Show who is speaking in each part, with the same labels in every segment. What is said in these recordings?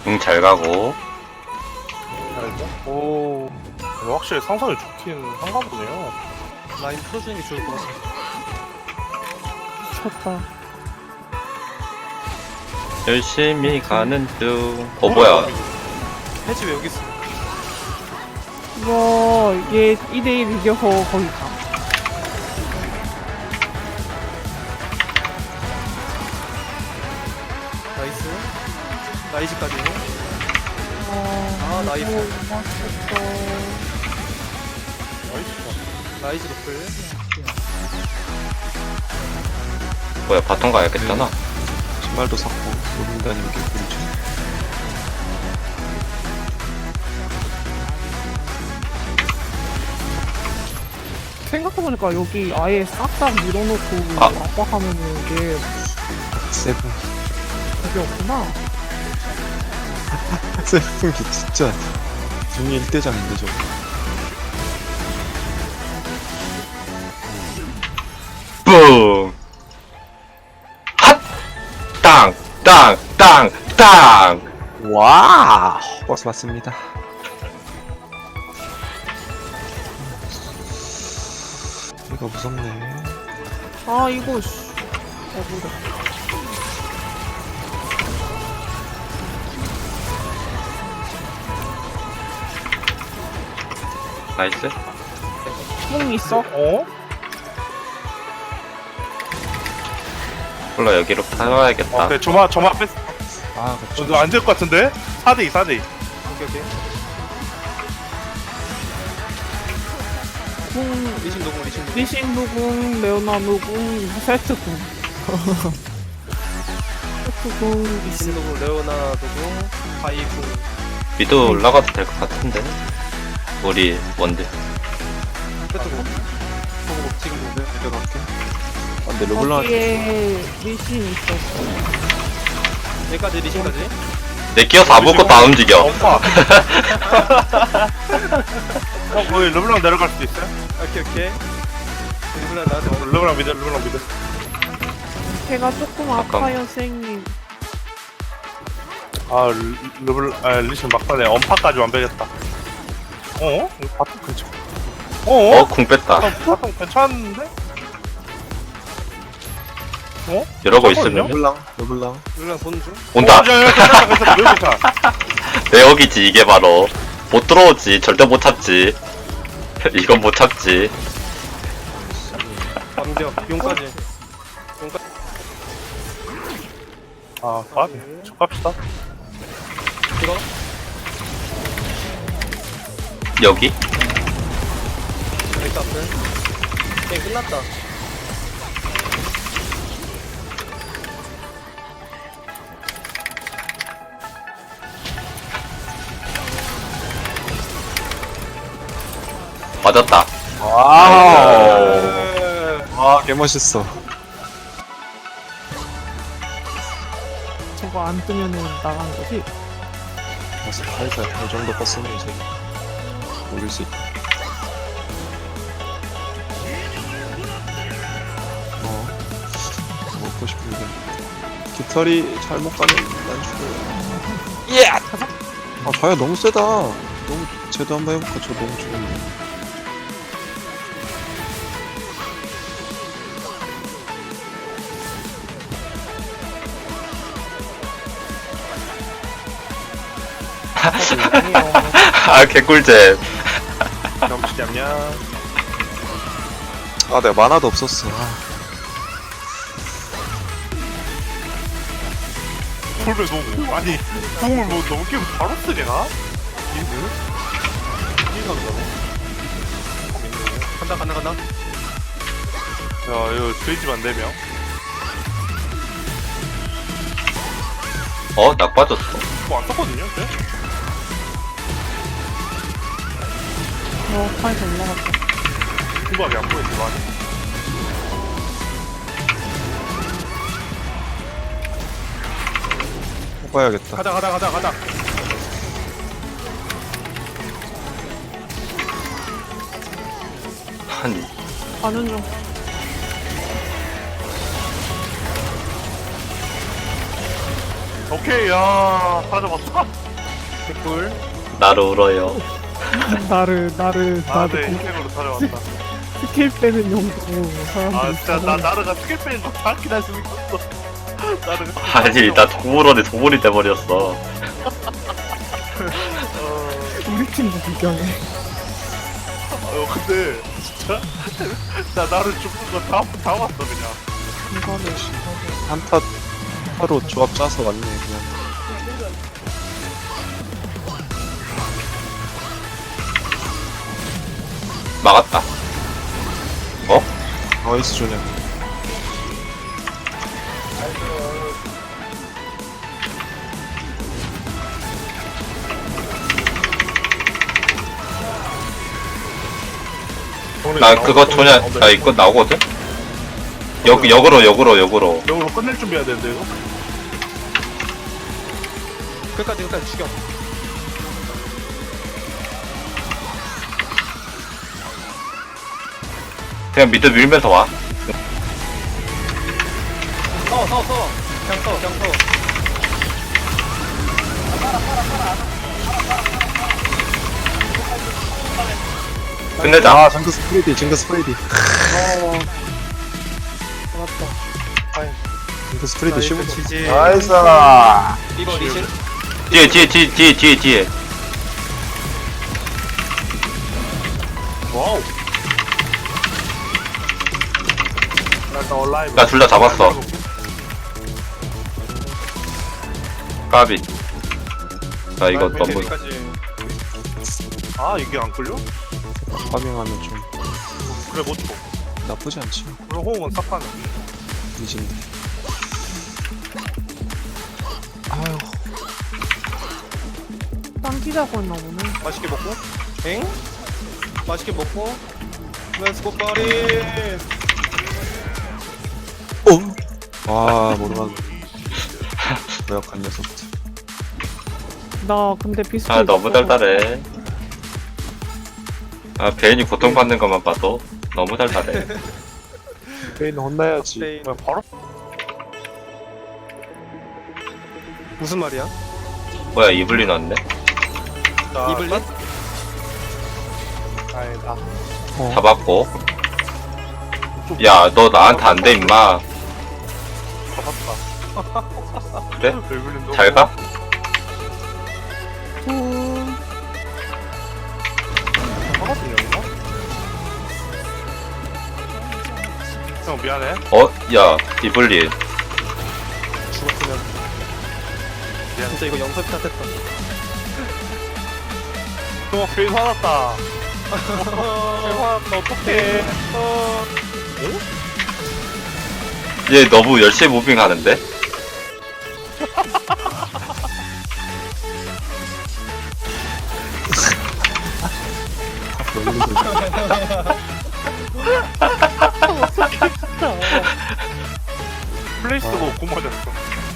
Speaker 1: 응, 잘 가고.
Speaker 2: 알죠? 오, 확실히 상상이 좋긴 한가 보네요.
Speaker 3: 라인 풀어주는 게 좋을 것 같아.
Speaker 4: 미쳤다.
Speaker 1: 열심히 가는 중. 뭐야.
Speaker 3: 해지 왜 여기 있어?
Speaker 4: 이거 얘 2대1 이겨서 거기 가.
Speaker 3: 나이스. 나이즈까지.
Speaker 4: 아,
Speaker 3: 나이스.
Speaker 4: 맛있겠다.
Speaker 3: 나이즈 노플.
Speaker 1: 뭐야, 바통 가야겠잖아.
Speaker 5: 신발도 샀고 로빙 다니는 게 꿀이죠.
Speaker 4: 생각해보니까 여기 아예 싹싹 밀어놓고
Speaker 1: 아.
Speaker 4: 압박하면은 이게
Speaker 5: 세븐
Speaker 4: 그게 없구나.
Speaker 5: 세븐이 진짜 중이 1대장인데 저거.
Speaker 1: 뿡! 핫! 땅! 땅! 땅! 땅!
Speaker 5: 와 버스 맞습니다. 이거 무섭네.
Speaker 4: 아, 이거, 씨. 뭐래.
Speaker 1: 나이스.
Speaker 4: 뽕 있어?
Speaker 2: 어?
Speaker 1: 몰라, 여기로 타와야겠다.
Speaker 2: 그래, 저만 뺐어.
Speaker 5: 아 그쵸.
Speaker 2: 너 안 될 것 같은데? 4대2, 4대2.
Speaker 3: 오케이.
Speaker 4: 뽕,
Speaker 3: 리신 노공, 리신 노공.
Speaker 4: 리신 누궁, 레오나 누궁, 세트궁. 세트궁,
Speaker 3: 리신 노공, 레오나 노공, 바이궁.
Speaker 1: 미드 올라가도 될 것 같은데. 우리 원딜.
Speaker 3: 세트궁. 지금 노공.
Speaker 5: 내려갈게. 아, 근데 르블랑
Speaker 4: 거기에 리신 있었어.
Speaker 3: 여기까지, 리신까지.
Speaker 1: 내 끼어서 아무것도 안 움직여.
Speaker 2: 엄마. 거의 르블랑 내려갈 수도 있어요?
Speaker 3: 오케이. 르블랑 나한테 먹을.
Speaker 2: 르블랑 미드, 르블랑 미드.
Speaker 4: 제가 조금 아파요, 쌩님.
Speaker 2: 리신 막판에 엄파까지 완벽했다. 어? 이거 바텀 괜찮. 어?
Speaker 1: 궁 뺐다.
Speaker 2: 바텀 괜찮은데? 어?
Speaker 1: 이러고
Speaker 2: 잠깐만요.
Speaker 1: 있으면
Speaker 5: 르블랑
Speaker 3: 르블랑 보는 중.
Speaker 1: 온다.
Speaker 2: 괜찮아. 매우 괜찮아.
Speaker 1: 내 여기지, 이게 바로. 못 들어오지. 절대 못 참지. 이건 못 참지.
Speaker 3: 완벽. 용까지.
Speaker 2: 아, 가비. 저 갑시다.
Speaker 3: 들어.
Speaker 1: 여기?
Speaker 3: 여기 앞에. 게임 끝났다.
Speaker 1: 맞았다.
Speaker 5: 와우. 와 개멋있어.
Speaker 4: 저거 안 뜨면은 나간 거지?
Speaker 5: 그래서 살살 이 정도 컸으면 이제 올릴 수 있다. 먹고 싶은데 깃털이 잘못 가면 난 죽어요. 예! 아 자야 너무 세다. 너무 쟤도 한번 해볼까? 저 너무 죽었네.
Speaker 1: 아, 개꿀잼.
Speaker 2: 경치 잡냐?
Speaker 5: 아 내가 만화도 없었어.
Speaker 2: 콜베 너무 아니 공을 뭐 너무 끼면 바로 쓰려나? 이거? 이거 간다고?
Speaker 3: 간다.
Speaker 2: 야 이거 돼지만 4명.
Speaker 1: 낙 빠졌어.
Speaker 2: 뭐안 썼거든요? 쟤?
Speaker 4: 파에서 올라갔다.
Speaker 2: 궁각이 안 보였지 많이.
Speaker 5: 해봐야겠다.
Speaker 3: 가자.
Speaker 1: 아니,
Speaker 4: 가는 중.
Speaker 2: 오케이, 야, 사라져봤다.
Speaker 3: 개꿀.
Speaker 1: 나를 울어요.
Speaker 4: 나를
Speaker 2: 아, 네, 인생으로 사라져봤다.
Speaker 4: 스킬 빼는 용도로 사람들이
Speaker 2: 아, 진짜, 나르가 스킬 빼는 거 정확히 날 수고 있었어. 나르가.
Speaker 1: 아니 나 동물원에 동물이 돼버렸어.
Speaker 4: 우리 팀도 구경해.
Speaker 2: 근데, 진짜. 나 나를 죽는 거 다 왔어, 그냥.
Speaker 4: 이거는
Speaker 5: 한타 하루 조합 짜서 왔네 그냥.
Speaker 1: 막았다. 어?
Speaker 5: 나이스 조냐.
Speaker 1: 나 그거 조냐 나 이거 나오거든? 역으로
Speaker 2: 역으로 끝낼 준비해야 되는데, 이거?
Speaker 3: 끝까지 죽여.
Speaker 1: 그냥 미드 밀면서 와.
Speaker 3: 서. 그냥 서.
Speaker 1: 끝내자.
Speaker 5: 아 징크스 프레디 징크스 프레디.
Speaker 3: 맞다.
Speaker 5: 징크스 프레디 15.
Speaker 3: 지지.
Speaker 5: 나이스.
Speaker 3: 리버 리신.
Speaker 1: 뒤에.
Speaker 2: 와우. 나 일단 온라인.
Speaker 1: 나 둘 다 잡았어. 까비. 나 이거 너무
Speaker 2: 아, 이게 안 끌려?
Speaker 5: 파밍하면 좀
Speaker 2: 그래, 못 쳐.
Speaker 5: 나쁘지 않지.
Speaker 2: 그럼 호응은 싹하네.
Speaker 5: 이진데. 아유
Speaker 4: 땅 기자고 했나 보네.
Speaker 3: 맛있게 먹고. 엥? 맛있게 먹고. 렛츠고 파리.
Speaker 5: 아 모르만 노약한 녀석들.
Speaker 4: 나 근데 비슷해.
Speaker 1: 아 너무 달달해. 아 베인이 고통받는 것만 봐도 너무 달달해.
Speaker 5: 페인 혼나야지.
Speaker 3: 페인.
Speaker 2: 그냥 바로.
Speaker 3: 무슨 말이야?
Speaker 1: 뭐야 이블린 왔네?
Speaker 2: 자,
Speaker 3: 이블린?
Speaker 2: 아니다.
Speaker 1: 잡았고. 야 너 나한테 안 돼 임마.
Speaker 2: 잡았다.
Speaker 1: 그래?
Speaker 2: 벨블린도.
Speaker 1: 잘 가?
Speaker 2: 잡았던 여기가? 형, 미안해.
Speaker 1: 어? 야 이블린.
Speaker 3: 죽었으면. 진짜 이거 연습 탓했다.
Speaker 2: 형, 베인 화났다. 베인 화났다, 어떡해.
Speaker 1: 얘 너무 열심히 무빙하는데?
Speaker 2: 플레이스도 못 맞았어.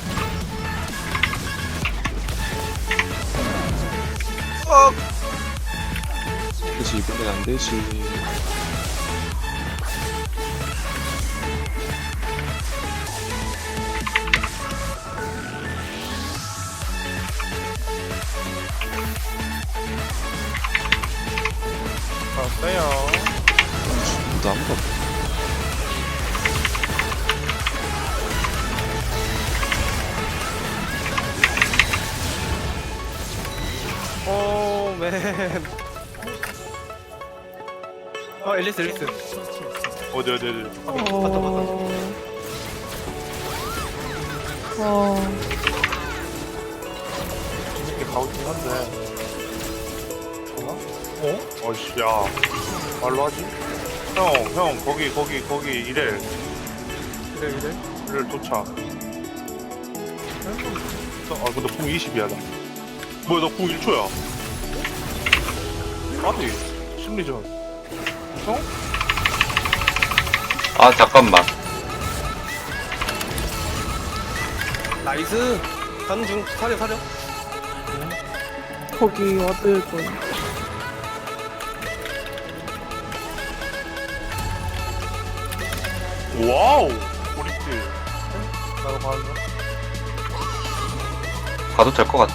Speaker 5: 그치 이번엔 안 되지.
Speaker 2: 알았어요.
Speaker 5: 나 아무도 없어.
Speaker 3: 오, 맨. 앨리스.
Speaker 2: 어디. 이렇게 가고 있긴 한데. 어이씨, 야. 말로 하지? 형, 거기, 이래. 이래 도착. 근데 궁 20이야, 나. 뭐야, 나 궁 1초야. 아니, 심리전.
Speaker 1: 아 잠깐만.
Speaker 3: 나이스. 가는 중. 사려.
Speaker 4: 거기 와들 거야.
Speaker 2: 와우! 우리 팀. 나도 봤나?
Speaker 1: 가도 될 것 같아.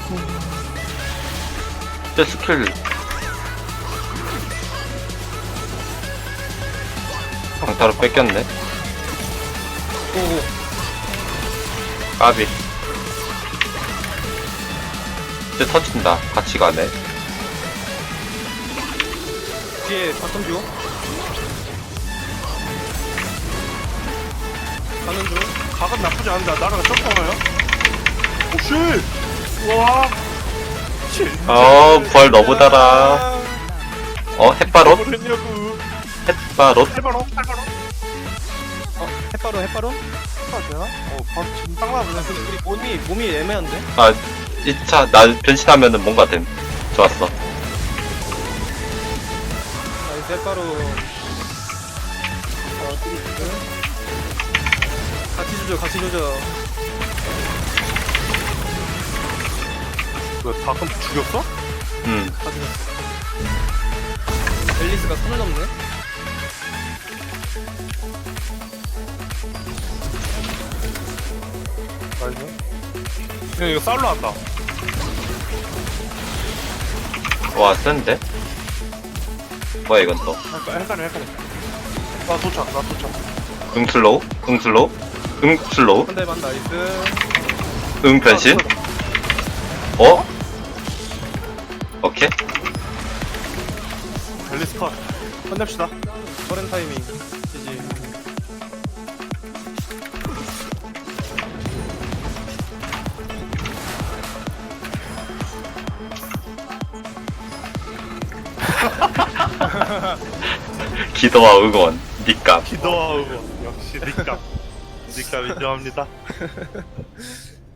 Speaker 1: 제 스킬 강타로 뺏겼네.
Speaker 3: 오오.
Speaker 1: 까비. 이제 터진다. 같이 가네.
Speaker 3: 뒤에 바텀 줘. 가는 중.
Speaker 2: 각은 나쁘지 않은데 나랑 점프하나요? 오쉣! 와
Speaker 1: 부활 너무 달아. 햇바롯?
Speaker 2: 뭘 했냐고
Speaker 1: 햇바롯?
Speaker 2: 해바로
Speaker 3: 햇바로 햇바로.
Speaker 2: 해봐야 되나? 바로 지금 딱 나오네.
Speaker 3: 우리 몸이 애매한데.
Speaker 1: 아, 2차, 나 변신하면은 뭔가 됨. 좋았어.
Speaker 3: 나이스 햇바로. 같이 조져.
Speaker 2: 왜 가끔 죽였어?
Speaker 3: 같이 조져. 앨리스가 손을 넘네.
Speaker 2: 나이스. 형 이거 쌀로 한다.
Speaker 1: 와, 센데? 뭐야, 이건 또.
Speaker 2: 헷갈려. 나 도착.
Speaker 1: 응 슬로우? 응 슬로우? 응 슬로우?
Speaker 3: 한 대만 나이스.
Speaker 1: 응 변신? 어? 오케이.
Speaker 2: 앨리스 컷. 끝냅시다.
Speaker 3: 저런 타이밍. 지지.
Speaker 1: 기도와 응원. 니값.
Speaker 2: 기도하고 역시 닉감 인정합니다.